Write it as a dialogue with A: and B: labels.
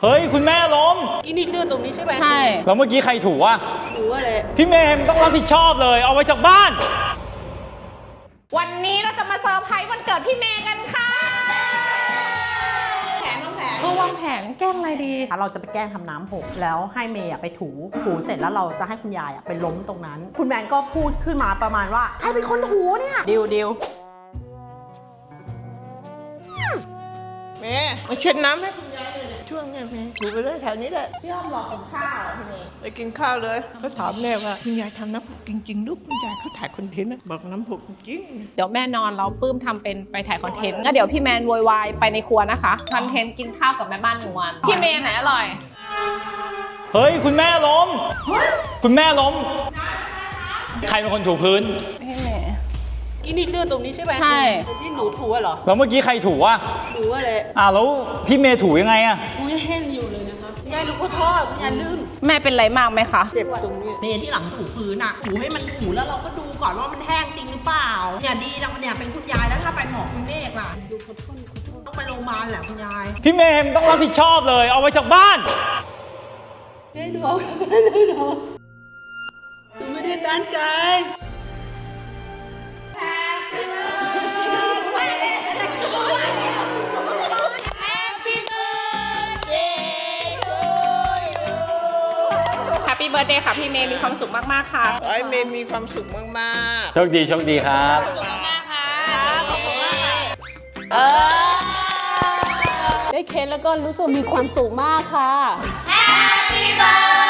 A: เฮ้ยคุณแม่ล้ม
B: อีนี่เลือดตรงนี้ใช่ไหม
C: ใช่
A: แล้วเมื่อกี้ใครถูอะ
B: ถูอะไร
A: พี่เมย์ต้องรับผิดชอบเลยเอาไว้จากบ้าน
C: วันนี้เราจะมาเซอร์ไพรส์วันเกิดพี่เมย์กันค่ะวางแผนแกล้งอะไรดี
D: เราจะไปแกล้งทำน้ำหกแล้วให้เมย์ไปถูเสร็จแล้วเราจะให้คุณยายไปล้มตรงนั้นคุณแมนก็พูดขึ้นมาประมาณว่าใครเป็นคนถูเนี่ยดิว
B: เมย์มาเช็ดน้ำให้คุณยายเลยช่วงเนี้ยเมย์ถูไปเลยแถวนี้แหละ
C: พี่อ้อมรอกินข้าวพี่เมย์
B: ไปกินข้าวเลยเขาถามแม่ว่าคุณยายทำน้ำหกจริงๆลูกคุณยายเขาถ่ายคอนเทนต์นะบอกน้ำหกจริง
C: เดี๋ยวแม่นอนเราปื้มทำเป็นไปถ่ายคอนเทนต์แล้วเดี๋ยวพี่แมนโวยวายไปในครัวนะคะคอนเทนต์กินข้าวกับแม่บ้าน1 วันพี่เมย์ไหนอร่อย
A: เฮ้ยคุณแม่ล้มคุณแม่ล้มใครเป็นคนถูพื้น
C: พี่เมย์
B: อีนี่เลือดตรงนี้ใช่ไหม
C: ใช่
B: ที่หนูถูเหรอ
A: แล้วเมื่อกี้ใครถูอะ
B: ถูอะไร
A: แล้วพี่เมย์ถูยังไงอะ
B: ถูแห้งอยู่เลยนะคะคุณยายรู้ก็ทอดคุณยายลื่น
C: แม่เป็นไรมากไหมคะ
B: เจ็บตรงนี้
D: เมย์ที่หลังถูพื้นถูให้มันถูแล้วเราก็ดูก่อนว่ามันแห้งจริงหรือเปล่าเนี่ยดีนะเนี่ยเป็นคุณยายแล้วถ้าไปหมอคุณเมฆล่ะดูขอโทษต้องไปโรงพยาบาลแหละคุณยาย
A: พี่เมย์ต้องรับผิดชอบเลยเอาไว้จากบ้าน
B: ไม่ดูเอาไม่ได้ดูไม่ได้ตั้งใจ
C: แฮปปี้เบิร์ธเดย์ค่ะพี่เมย์มีความสุขมากๆค่ะ
B: ขอให้เมย์มีความสุขมาก
A: โชคดีครับ
C: ขอบคุณมากค่ะขอบคุณมากค่ะ
E: ได้เค้กแล้วก็รู้สึกมีความสุขมากค่ะ
C: Happy birthday